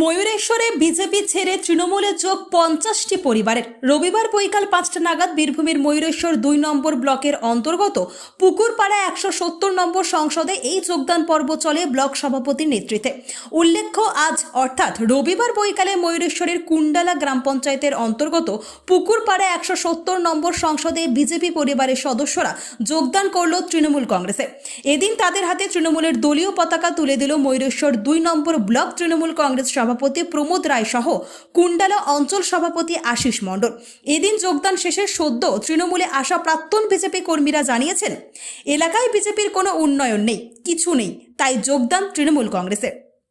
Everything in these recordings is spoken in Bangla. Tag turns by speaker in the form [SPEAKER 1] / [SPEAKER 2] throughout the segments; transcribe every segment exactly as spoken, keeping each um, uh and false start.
[SPEAKER 1] ময়ূরেশ্বরে বিজেপি ছেড়ে তৃণমূলে যোগ পঞ্চাশটি পরিবারের। রবিবার বৈকাল পাঁচটা নাগাদ বীরভূমের ময়ূরেশ্বর দুই নম্বর ব্লকের অন্তর্গত পুকুরপাড়া একশো সত্তর নম্বর সংসদে এই যোগদান পর্ব চলে ব্লক সভাপতির নেতৃত্বে। উল্লেখ্য, আজ অর্থাৎ রবিবার বৈকালে ময়ূরেশ্বরের কুণ্ডালা গ্রাম পঞ্চায়েতের অন্তর্গত পুকুরপাড়া একশো সত্তর নম্বর সংসদে বিজেপি পরিবারের সদস্যরা যোগদান করল তৃণমূল কংগ্রেসে। এদিন তাদের হাতে তৃণমূলের দলীয় পতাকা তুলে দিল ময়ূরেশ্বর দুই নম্বর ব্লক তৃণমূল কংগ্রেস সভাপতি প্রমোদ রায় সহ কুণ্ডালা অঞ্চল সভাপতি আশিস মণ্ডল। এদিন যোগদান শেষে সদ্য তৃণমূলে আসা প্রাক্তন বিজেপি কর্মীরা জানিয়েছেন, এলাকায় বিজেপির কোনো উন্নয়ন নেই, কিছু নেই, তাই যোগদান তৃণমূল কংগ্রেসে।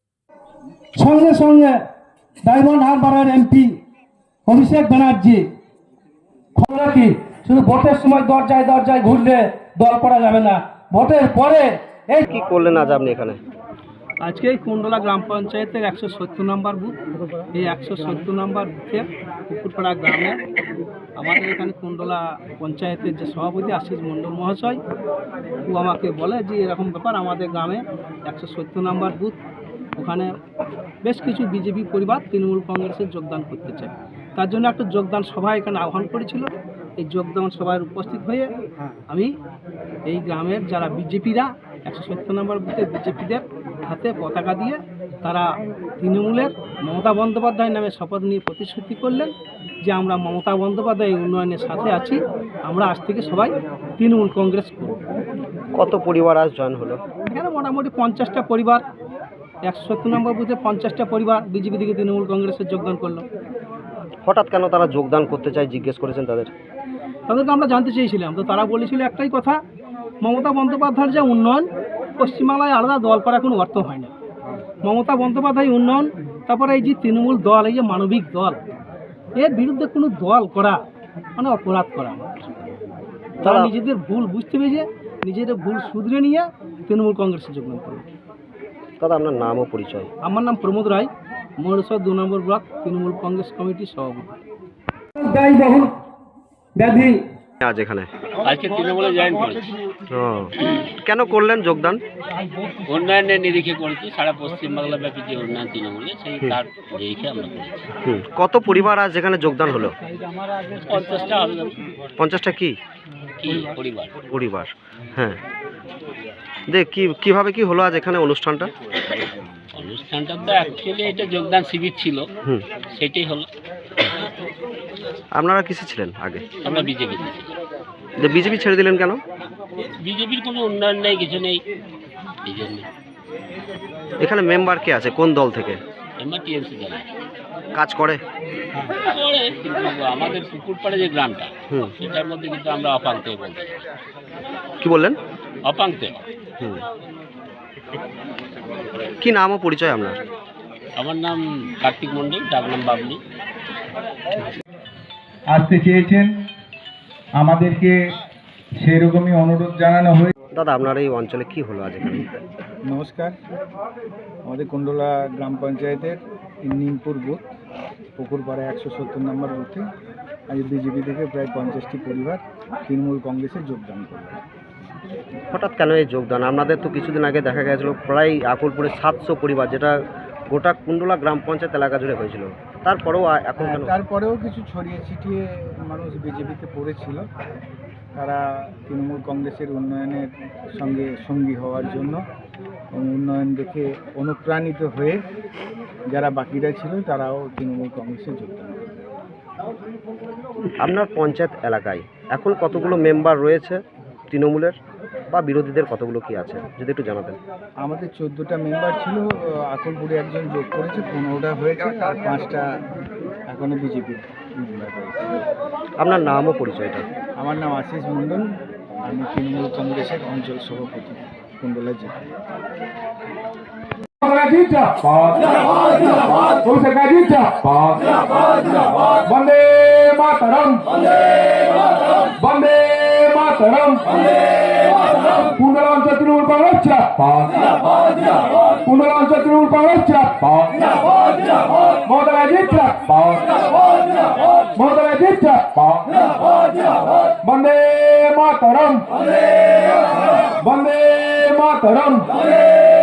[SPEAKER 2] সঙ্গে সঙ্গে ডায়মন্ড হারবারের এমপি অভিষেক ব্যানার্জি খবর কি শুধু ভোটের সময় দরজায় দরজায় ঘুরলে দল করা যাবে না, ভোটের পরে এই
[SPEAKER 3] কি করলেন আজ আপনি এখানে?
[SPEAKER 4] আজকে এই কুণ্ডলা গ্রাম পঞ্চায়েতের একশো সত্তর নম্বর বুথ, এই একশো সত্তর নম্বর বুথের পুকুরপাড়া গ্রামে আমাদের এখানে কুণ্ডলা পঞ্চায়েতের যে সভাপতি আশিস মণ্ডল মহাশয়, ও আমাকে বলে যে এরকম ব্যাপার, আমাদের গ্রামে একশো সত্তর নম্বর বুথ, ওখানে বেশ কিছু বিজেপি পরিবার তৃণমূল কংগ্রেসের যোগদান করতে চায়। তার জন্য একটা যোগদান সভা এখানে আহ্বান করেছিল। এই যোগদান সভায় উপস্থিত হয়ে আমি এই গ্রামের যারা বিজেপিরা একশো সত্তর নম্বর বুথে বিজেপিদের হাতে পতাকা দিয়ে তারা তৃণমূলের মমতা বন্দ্যোপাধ্যায়ের নামে শপথ নিয়ে প্রতিশ্রুতি করলেন যে আমরা মমতা বন্দ্যোপাধ্যায় উন্নয়নের সাথে আছি, আমরা আজ থেকে সবাই তৃণমূল কংগ্রেস করব।
[SPEAKER 3] কত পরিবার আজ জয়েন হলো?
[SPEAKER 4] এখানে মোটামুটি পঞ্চাশটা পরিবার, একশো সত্তর নম্বর বুথে পঞ্চাশটা পরিবার বিজেপি থেকে তৃণমূল কংগ্রেসের যোগদান করলো।
[SPEAKER 3] হঠাৎ কেন তারা যোগদান করতে চায় জিজ্ঞেস করেছেন তাদের?
[SPEAKER 4] তাদেরকে আমরা জানতে চেয়েছিলাম, তো তারা বলেছিল একটাই কথা, মমতা বন্দ্যোপাধ্যায়ের যে উন্নয়ন, পশ্চিমবাংলায় আলাদা দল করা কোনো অর্থ হয় না। মমতা বন্দ্যোপাধ্যায় উন্নয়ন, তারপরে এই যে তৃণমূল দল, এই যে মানবিক দল, এর বিরুদ্ধে কোনো দল করা মানে অপরাধ করা। তারা নিজেদের ভুল বুঝতে পেরেছে, নিজেদের ভুল শুধরে নিয়ে তৃণমূল কংগ্রেসে যোগদান করবে।
[SPEAKER 3] দাদা, আপনার নাম ও পরিচয়?
[SPEAKER 4] আমার নাম প্রমোদ রায়, ময়ূরেশ্বর দু নম্বর ব্লক তৃণমূল কংগ্রেস কমিটির সভাপতি।
[SPEAKER 2] ব্যয়বহুল ব্যাধি
[SPEAKER 3] আজ এখানে
[SPEAKER 5] আজকে তৃণমূলে জয়েন করেছি।
[SPEAKER 3] ও, কেন করলেন যোগদান?
[SPEAKER 5] উন্নয়নের নিরিখে করেছি, সারা পশ্চিমবাংলা ব্যাপী যে উন্নয়ন তৃণমূলে, সেই তার নিরিখে আমরা করেছি।
[SPEAKER 3] হুম, কত পরিবার আজ এখানে যোগদান হলো?
[SPEAKER 5] পঞ্চাশটা হবে।
[SPEAKER 3] পঞ্চাশটা কি
[SPEAKER 5] কি পরিবার?
[SPEAKER 3] পরিবার, হ্যাঁ। দেখ কি কিভাবে কি হলো আজ এখানে অনুষ্ঠানটা?
[SPEAKER 5] অনুষ্ঠানটা তো অ্যাকচুয়ালি এটা যোগদান শিবির ছিল,
[SPEAKER 3] হুম,
[SPEAKER 5] সেটাই হলো।
[SPEAKER 3] আপনারা কিসে ছিলেন আগে?
[SPEAKER 5] আমরা বিজেপিতে
[SPEAKER 3] যে বিজেপি ছেড়ে দিলেন কেন?
[SPEAKER 5] বিজেপির কোনো উন্নয়ন নেই, কিছু নেই, এই জন্য।
[SPEAKER 3] এখানে মেম্বার কে আছে, কোন দল থেকে?
[SPEAKER 5] আমরা টিএমসি দল
[SPEAKER 3] কাজ করে?
[SPEAKER 5] করে, কিন্তু আমাদের পুকুরপাড়ে যে গ্রামটা,
[SPEAKER 3] হুম,
[SPEAKER 5] সেটার মধ্যে কিন্তু আমরা অপাঙ্ক্তে বলতে পারি।
[SPEAKER 3] কি বললেন?
[SPEAKER 5] অপাঙ্ক্তে।
[SPEAKER 3] হুম, কি নাম ও পরিচয় আপনার?
[SPEAKER 5] আমার নাম কার্তিক মণ্ডল, ডাক নাম বাবলি।
[SPEAKER 2] আসতে চেয়েছেন, আমাদেরকে সেরকমই অনুরোধ জানানো হয়েছে।
[SPEAKER 3] দাদা, আপনার এই অঞ্চলে কি হলো আজ এখানে?
[SPEAKER 6] নমস্কার, আমাদের কুণ্ডলা গ্রাম পঞ্চায়েতের নিমপুর বুথ পুকুরপাড়া একশো সত্তর নম্বর বুথে আজ বিজেপি থেকে প্রায় পঞ্চাশটি পরিবার তৃণমূল কংগ্রেসে যোগদান করবে।
[SPEAKER 3] হঠাৎ কেন এই যোগদান? আপনাদের তো কিছুদিন আগে দেখা গেছিল প্রায় আকুলপুরে সাতশো পরিবার, যেটা গোটা কুণ্ডলা গ্রাম পঞ্চায়েত এলাকা জুড়ে হয়েছিল, তারপরেও এখন কেন?
[SPEAKER 6] তারপরেও কিছু ছড়িয়ে ছিটিয়ে মানুষ বিজেপিতে পড়েছিল, তারা তৃণমূল কংগ্রেসের উন্নয়নের সঙ্গে সঙ্গী হওয়ার জন্য, উন্নয়ন দেখে অনুপ্রাণিত হয়ে যারা বাকিরা ছিল তারাও তৃণমূল কংগ্রেসে যোগদান করে।
[SPEAKER 3] আপনার পঞ্চায়েত এলাকায় এখন কতগুলো মেম্বার রয়েছে তৃণমূলের, বা বিরোধীদের কতগুলো কি আছে যদি একটু জানাতেন?
[SPEAKER 6] আমাদের চোদ্দোটা মেম্বার ছিল, আকলপুরে একজন যোগ করেছে, পনেরোটা হয়েছে, আর পাঁচটা এখনো বিজেপির মেম্বার রয়েছে। আপনার
[SPEAKER 3] নাম ও পরিচয়টা?
[SPEAKER 6] আমার নাম আশিস মণ্ডল, আমি তৃণমূল কংগ্রেসের অঞ্চল সভাপতি কুণ্ডলা জেলা।
[SPEAKER 2] বন্দে মাতরম, বন্দে মাতরম, কুণ্ডলা অঞ্চল তৃণমূল কংগ্রেস জিন্দাবাদ, কুণ্ডলা অঞ্চল তৃণমূল কংগ্রেস জিন্দাবাদ, মমতা ব্যানার্জি জিন্দাবাদ, মমতা ব্যানার্জি জিন্দাবাদ, বন্দে মাতরম, বন্দে মাতরম।